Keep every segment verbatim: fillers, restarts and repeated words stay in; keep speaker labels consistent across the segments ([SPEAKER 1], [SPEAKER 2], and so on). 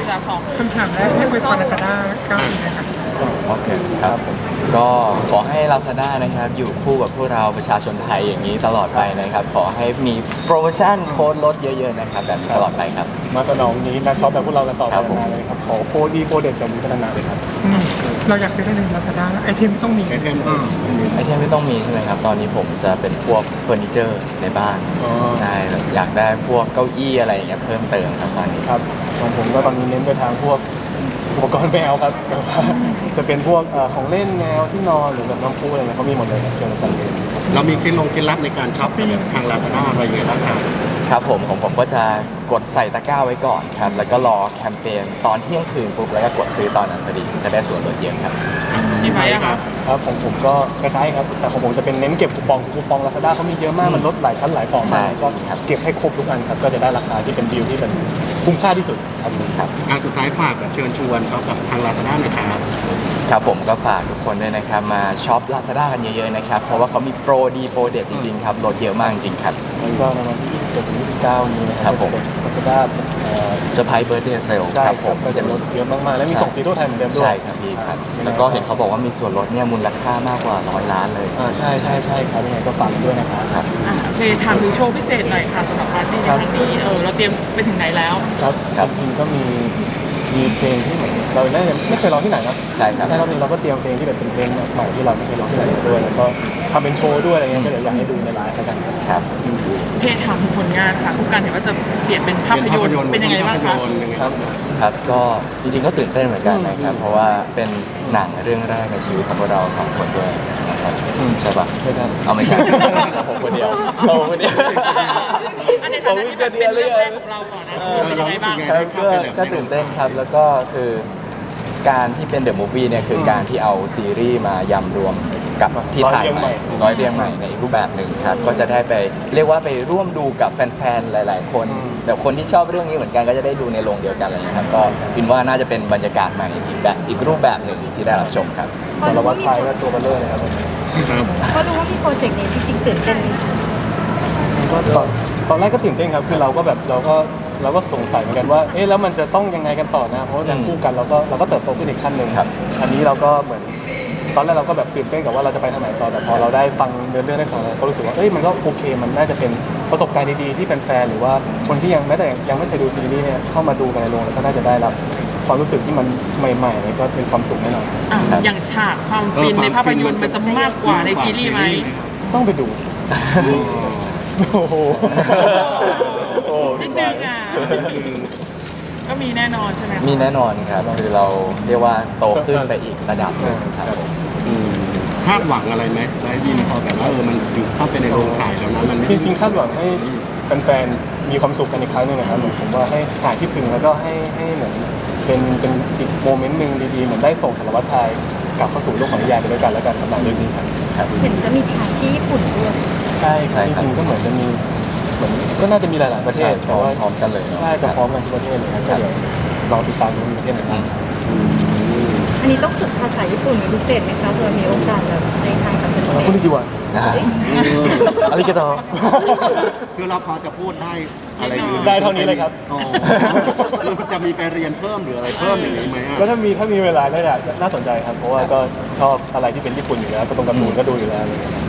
[SPEAKER 1] จะสอง
[SPEAKER 2] คำถามแรกให้อวยพร Lazada เก้าปีนะครับ
[SPEAKER 3] โอเคครับผมก็ขอให้ Lazada นะครับอยู่คู่กับพวกเราประชาชนไทยอย่างนี้ตลอดไปนะครับขอให้มีโปรโมชั่นโค้ดลดเยอะๆนะครับแบบนี้ตลอดไปครับ
[SPEAKER 4] มาสนองนี้นักช็อปแบบพวกเรากันต่อไปนานเลยครับขอโปรดีโปรเด็ดแบบนี้นานๆเลยครับ
[SPEAKER 2] เราอยากซื้อได้เลย Lazada ไอเทมต้องมี
[SPEAKER 4] ไอเทม
[SPEAKER 3] ไอเทมที่ต้องมีใช่ไหมครับตอนนี้ผมจะเป็นพวกเฟอร์นิเจอร์ในบ้านใช่อยากได้พวกเก้าอี้อะไรอย่างเงี้ยเพิ่มเติมครับตอนนี้
[SPEAKER 4] ครับของผมก็ตอนนี้เน้นไปทางพวกอุปกรณ์แมวครับแบบว่าจะเป็นพวกของเล่นแมวที่นอนหรือแบบน้ำพุอะไรเงี้ยเขามีหมดเลยครับเกี่ยวกับสัตว์เลี้ยง
[SPEAKER 5] เรามีเคล็ดลงเคล็ดลับในการช็อปทาง Lazada อะไรอย่างเงี้ยบ้างครับ
[SPEAKER 3] ครับผมของผมก็จะกดใส่ตะกร้าไว้ก่อนครับแล้วก็รอแคมเปญตอนเที่ยงคืนปุ๊บแล้วก็กดซื้อตอนนั้นพอดีจะได้ส่วนลดเยอะครับ
[SPEAKER 1] นี่ไหมครับ
[SPEAKER 4] ครับของผมก็คล้ายๆครับแต่ของผมจะเป็นเน้นเก็บคูปองคูปอง Lazada เขามีเยอะมากมันลดหลายชั้นหลายฟอร์มากก็เก็บให้ครบทุกอันครับก็จะได้ราคาที่เป็นดีลที่เป็นคุ้มค่าที่สุดครับ
[SPEAKER 3] ครับ
[SPEAKER 5] การสุดท้ายฝากแบบเชิญชวนช็อปกับทาง Lazada หน่อยครับ
[SPEAKER 3] ครับผมก็ฝากทุกคนด้วยนะครับมาช็อป Lazada กันเยอะๆนะครับเพราะว่าเขามีโปรดีโปรเด็ดจริงๆครับลดเยอะมากจริงๆครับ
[SPEAKER 4] แล้วก็ในวันที่ยี่สิบเจ็ดถึงยี่สิบเก้านี้นะครับ
[SPEAKER 3] ผม
[SPEAKER 4] Lazada
[SPEAKER 3] เซอร์ไพรส์เบิร์ธเดย์เซล
[SPEAKER 4] ครับผมก็จะลดเยอะมากๆและมีส่งฟรีทั่วไทยเหมือนเดิมด้วย
[SPEAKER 3] ใช่ครับพี่ครับแล้วก็เห็นเขาบอกว่ามีส่วนลดเนี่ยมูลค่ามากกว่าร้อยล้านเลย
[SPEAKER 4] อ่าใช่ใช่ใช่ครับยังไงก็ฝากด้วยนะครับ
[SPEAKER 3] ครับ
[SPEAKER 1] อ่าโอเคถามถึงโชว์พิเศษหน่อยค่ะสำหรับปาร์ตี้ในครั้งนี้เออเราเตรียมไปถึงไหนแล้ว
[SPEAKER 4] ครับครับจริงก็มีมีเพลงที่เหมือนเราน่าจะไม่เคยร้องที่ไหนนะ
[SPEAKER 3] ใช่ครับ
[SPEAKER 4] ใช่รอบนี้เราก็เตรียมเพลงที่แบบเป็นเพลงใหม่ที่เราไม่เคยร้องที่ไหนด้วยแล้วก็ทำเป็นโชว์ด้วยอะไรเงี้ยก็เดี๋ยวอยากให้ดูในไลฟ์กัน
[SPEAKER 3] ครับ
[SPEAKER 1] เพจถามถึงผลงานค่ะทุกการเห็นว่าจะเปลี่ยนเป็นภาพยนตร์เป็นยังไงบ้างคะ
[SPEAKER 4] ครับ
[SPEAKER 3] ครับก็จริงๆก็ตื่นเต้นเหมือนกันนะครับเพราะว่าเป็นหนังเรื่องแรกในชีวิตของพวกเราสองคนด้วยนะครับใช่ปะ
[SPEAKER 4] ไม่ใช่
[SPEAKER 3] เอาไม่ใช่ผมคนเดียวผมคนเดียว
[SPEAKER 1] อันในฐานะที่เป็นเรื่องแรกของเราก่อนนะเป็นยังไงบ้าง
[SPEAKER 3] ก็ก็ตื่นเต้นครับแล้วก็คือการที่เป็นเดอะมูฟวี่เนี่ยคือการที่เอาซีรีส์มายำรวมกับที่ถ่ายใหม่ร้อยเรียงใหม่ในอีกรูปแบบหนึ่งครับก็จะได้ไปเรียกว่าไปร่วมดูกับแฟนๆหลายๆคนแบบคนที่ชอบเรื่องนี้เหมือนกันก็จะได้ดูในโรงเดียวกันอะไรอย่างเงี้ยครับก็คิดว่าน่าจะเป็นบรรยากาศใหม่อีกแบบอีกรูปแบบหนึ่งที่ได้รับชมครับ
[SPEAKER 4] สารวัตรไทยก็ตัวเบลเลอร์เลยครับ
[SPEAKER 6] ก็ดูว่าพี่โปรเจกต์นี้จริงๆตื่นเต้นไหม
[SPEAKER 4] ก็ตอนตอนแรกก็ตื่นเต้นครับคือเราก็แบบเราก็เราก็สงสัยเหมือนกันว่าเอ๊ะแล้วมันจะต้องยังไงกันต่อนะเพราะว่ายังคู่กันเราก็เราก็เติบโตขึ้นอีกขั้นหนึ่งครับอันนี้เราก็เหมือนตอนแรกเราก็แบบตื่นเต้นกับว่าเราจะไปทางไหนต่อแต่พอเราได้ฟังเรื่องได้ฟังเราก็รู้สึกว่าเอ้ยมันก็โอเคมันน่าจะเป็นประสบการณ์ดีๆที่แฟนๆหรือว่าคนที่ยังแม้แต่ยังไม่เคยดูซีรีส์เนี่ยเข้ามาดูกันในโรงแล้วก็น่าจะได้รับความรู้สึกที่มันใหม่ๆก็เป็นความสุขแน่นอน
[SPEAKER 1] อย่างฉากความฟินในภาพยนตร์มันจะมากกว่าในซีรีส์ไหม
[SPEAKER 4] ต้องไปดูโอ้โห
[SPEAKER 1] โอ้นิดนึงอ่ะก็มีแน่นอนใช่ไหม
[SPEAKER 3] มีแน่นอนครับคือเราเรียกว่าโตขึ้นไปอีกระดับนึงครับ
[SPEAKER 5] คาดหวังอะไรไหมได้ยินพอแบบว่าเออมันถึงเข้าไปในโรงฉายแล้วนะมัน
[SPEAKER 4] จริงๆคาดหวังให้แฟนๆมีความสุขกันอีกครั้งนึงนะครับผมว่าให้หายคิดถึงแล้วก็ให้ให้เหมือนเป็นเป็นอีกโมเมนต์หนึ่งดีๆเหมือนได้ส่งสารวัตรไทยกลับเข้าสู่โลกของนิยายไปด้วยกันแล้วกันสำหรับเรื่องนี้ครับ
[SPEAKER 6] เห็นจะมีฉากที่ญี่ปุ่นด้วย
[SPEAKER 4] ใช่ครับจริงๆก็เหมือนจะมีเหมือนก็น่าจะมีหลายๆประเทศ
[SPEAKER 3] แต่ว่าพร้อมกันเลย
[SPEAKER 4] ใช่แต่พร้อมกันทุกประเทศเลยครับก็เดี๋ยวลองติดตามดูประเทศไหนบ้าง
[SPEAKER 6] อันนี้ต้องฝึกภาษาญี่ปุ่นเป็นพิเศษไหมคะเพื่อมีโอกาสแบบในทางกับเป็น
[SPEAKER 4] พูดที่จิวะ
[SPEAKER 3] อะไรกันต่อ
[SPEAKER 5] คือเราพอจะพูดได้อะไร
[SPEAKER 4] ได้เท่านี้เลยครับ
[SPEAKER 5] จะมีไปเรียนเพิ่มหรืออะไรเพิ่มอย่างนี้ไหม
[SPEAKER 4] ก็ถ้ามีถ้ามีเวลาก็อยากน่าสนใจครับเพราะว่าก็ชอบอะไรที่เป็นญี่ปุ่นอยู่แล้วก็ตรงการ์ตูนก็ดูอยู่แล้ว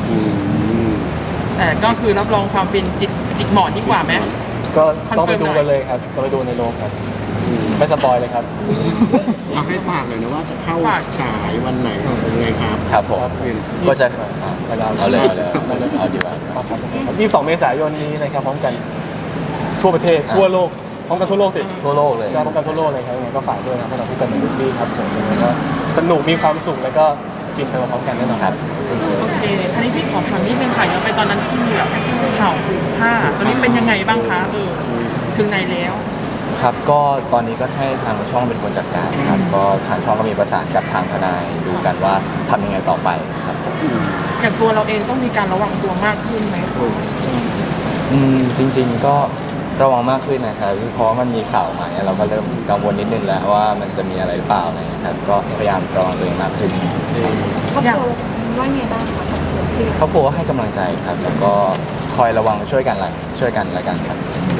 [SPEAKER 1] แต่ก็คือรับรองความเป็นจิกจิกหมอนดีกว่าไหม
[SPEAKER 4] ก็ต้องไปดูกันเลยครับต้องไปดูในโรงครับไม่สปอยเลยครับ
[SPEAKER 5] เอาให้ฝากเลยนะว่าจะเข้าฉายวันไหนยังไงครับ
[SPEAKER 3] ครับผมก็จะเอาเลยเอาเลยเอาดีกว่า
[SPEAKER 4] ยี่สิบสองเมษายนนี้นะครับพร้อมกันทั่วประเทศทั่วโลกพร้อมกันทั่วโลกสิ
[SPEAKER 3] ทั่วโลกเลย
[SPEAKER 4] ใช่พร้อมกันทั่วโลกเลยครับยังไงก็ฝากด้วยนะสำหรับผู้กันในที่ครับผมยังไงก็สนุกมีความสุขแล้วก็ฟินไปพร้อมกันแน่นอนครับ
[SPEAKER 1] โอเคอันนี้พี่ขอถามนิดนึงค่ะย้อนไปตอนนั้นที่มีแบบข่าวถูกฆ่าตอนนี้เป็นยังไงบ้างคะเออถึงไหนแล้ว
[SPEAKER 3] ครับก็ตอนนี้ก็ให้ทางช่องเป็นคนจัดการครับก็ทางช่องก็มีประสานกับทางทนายดูกันว่าทำยังไงต่อไปครับ
[SPEAKER 1] อย่างตัวเราเองต้องมีการระวังตัวมากขึ้นไหม
[SPEAKER 3] อืมจริงๆก็ระวังมากขึ้นนะครับเพราะมันมีข่าวมาเนี่ยเราก็เริ่มกังวลนิดนึงแล้วว่ามันจะมีอะไรหรือเปล่าอะไรนะครับก็พยายามระวังตัวเองมากขึ้น
[SPEAKER 6] ครอบครัวว่าไงบ้างคะ
[SPEAKER 3] ครอบครัวให้กำลังใจครับแล้วก็คอยระวังช่วยกันหลังช่วยกันละกันครับ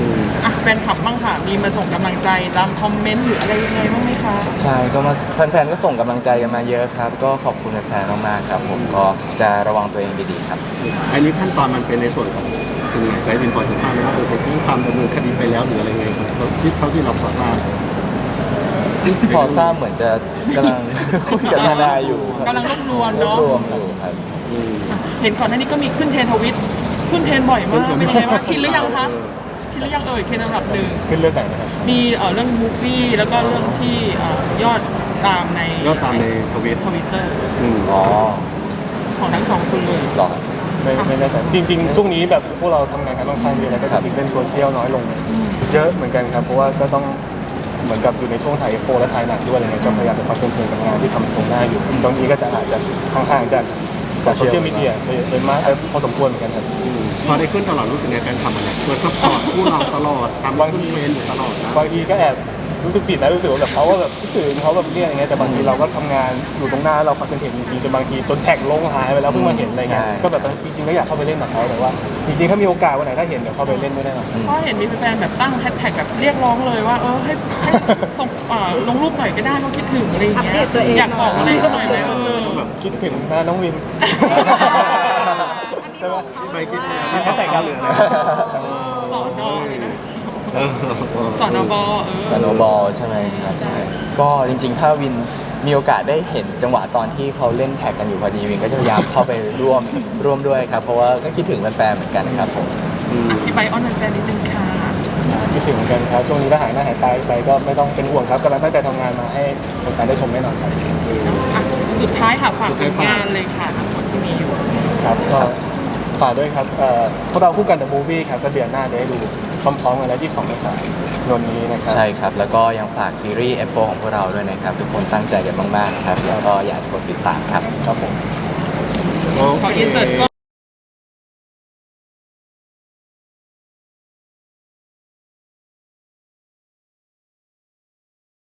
[SPEAKER 1] อ่ะแฟนคลับบ้างค่ะ มีมาส่งกำลังใจตามคอมเมนต์หรืออะไรยังไงบ้างไหมคะ
[SPEAKER 3] ใช่ก็มาแฟนๆก็ส่งกำลังใจกันมาเยอะครับ ก็ขอบคุณแฟนๆมากๆครับ ผมก็จะระวังตัวเองดีๆครับ
[SPEAKER 5] อันนี้ขั้นตอนมันเป็นในส่วนของถึงไหนไบรท์วินพอจะทราบไหมว่าเออไปแจ้งความดำเนินคดีไปแล้วหรืออะไรไงครับที่เท่าที่เราพอทราบ
[SPEAKER 3] พอทราบเหมือนจะกำลัง คุยกับทนายอยู่ครับ
[SPEAKER 1] กำลังรวบรวม
[SPEAKER 3] รวบ
[SPEAKER 1] เนาะ
[SPEAKER 3] รวมอยู่ครับ
[SPEAKER 1] เห็นก่อนหน้านี้ก็มีขึ้นเทรนด์ทวิต ขึ้นเทรนด์บ่อยมาก เป็นยังไงบ้างชินหรือยังคะ ชินหรือยังเอ่ยเทรนด์อันดับหนึ่ง
[SPEAKER 4] ขึ้นเรื่องไหนนะครับ
[SPEAKER 1] มีเอ่อเรื่องมูฟวี่แล้วก็เรื่องที่เอ่อยอดตามใน
[SPEAKER 5] ยอดตามในทวิต
[SPEAKER 1] ทวิตเตอร์
[SPEAKER 5] อืม
[SPEAKER 3] อ๋อ
[SPEAKER 1] ของทั้งสองคนเลย
[SPEAKER 3] หรอ
[SPEAKER 4] ไม่ไม่แน่ใจจริงๆ ช่วงนี้แบบพวกเราทำงานกันต้องใช้เยอะแล้วก็จริงๆเล่นโซเชียลน้อยลง เยอะเหมือนกันครับ เพราะว่าก็ต้องเหมือนกับอยู่ในช่วงถ่ายเอฟโฟและถ่ายหนักด้วยอะไรเงี้ยก็พยายามจะคอนเซนเทรตกับงานที่ทำตรงหน้าอยู่ตรงนี้ก็จะอาจจะห่างๆจากจากโซเชียลมีเดียไปไปมากเอ่อพอสมควรเหมือนกันครับ
[SPEAKER 5] อืมพอได้ขึ้นตลอดรู้สึกไงแฟนคลับมันเนี่ยเพื่อซัพพอร์ตคู่เราตลอดทำ
[SPEAKER 4] บาง
[SPEAKER 5] ขึ้
[SPEAKER 4] ที
[SPEAKER 5] นเทรนด์อยู่ตลอดนะ
[SPEAKER 4] บางทีก็แอบรู้สึกผิดนะรู้สึกว่าแบบเขาว่าแบบคิดถึงเขาแบบเนี่ยอย่างเงี้ยแต่บางทีเราก็ทำงานอยู่ตรงหน้าเราคอนเซนเทรตจริงๆจนบางทีจนแท็กลงหายไปแล้วเพิ่งมาเห็นอะไรเงี้ย
[SPEAKER 3] ใช่
[SPEAKER 4] ก็แบบจริงๆก็อยากเข้าไปเล่นกับเขาแต่ว่าจริงๆถ้ามีโอกาสวันไหนถ้าเห็นเดี๋ยวเข้าไปเล่นด้วยแน่นอน
[SPEAKER 1] เพราะเห็นมีแฟนๆแบบตั้งแฮชแท็กแบบเรียกร้องเลยว่า เออให้ให้ส่งเอ่อลงรูปหน่อยก็ได้เขาคิดถึงอะไรอย่างเงี้ย
[SPEAKER 6] อัปเดตตัวเอง
[SPEAKER 1] อยากบอกอะไรเขาหน่อยไหมเออ
[SPEAKER 5] แบบ
[SPEAKER 4] คิดถึงนะน้องวิน
[SPEAKER 6] อันนี้บอกเขา
[SPEAKER 5] ไปคิด
[SPEAKER 4] มีแฮชแท็กครับ
[SPEAKER 1] สอนอเลยนะ
[SPEAKER 5] เออ
[SPEAKER 1] สอนอบอเออ
[SPEAKER 3] สโนบอลใช่ไหมครับใช่ก็จริงๆ ถ้าวินมีโอกาสได้เห็นจังหวะตอนที่เขาเล่นแท็กกันอยู่พอดีวินก็จะพยายามเข้าไปร่วมร่วมด้วยครับ เพราะว่าก็คิดถึงแฟนๆเหมือนกันครับผม
[SPEAKER 1] อธิบายอ้อนแฟนนิดนึงค่ะ
[SPEAKER 4] คิดถึงเหมือนกันครับช่วงนี้ถ้าหายหน้าหายตาไปก็ไม่ต้องเป็นห่วงครับกำลังตั้งใจทำงานมาให้แฟนๆได้ชมแน่นอนครับ
[SPEAKER 1] อ่ะสุดท้ายค่ะฝากผลงานเลยค่ะทั้งหมดที่มีอยู่
[SPEAKER 4] ครับก็ฝากด้วยครับเอ่อพวกเราคู่กัน The Movie ครับก็เดือนหน้าจะได้ดูพร้อมๆกันแล้วยี่สิบสองเมษายนนี้นะครับ
[SPEAKER 3] ใช่ครับ แล้วก็ยังฝากซีรีส์ เอฟ โฟร์ ของพวกเราด้วยนะครับ ทุกคนตั้งใจกันมากๆครับ แล้วก็อยากกดติดตามครับ
[SPEAKER 4] ครับผม
[SPEAKER 1] ขออินเสิร์ต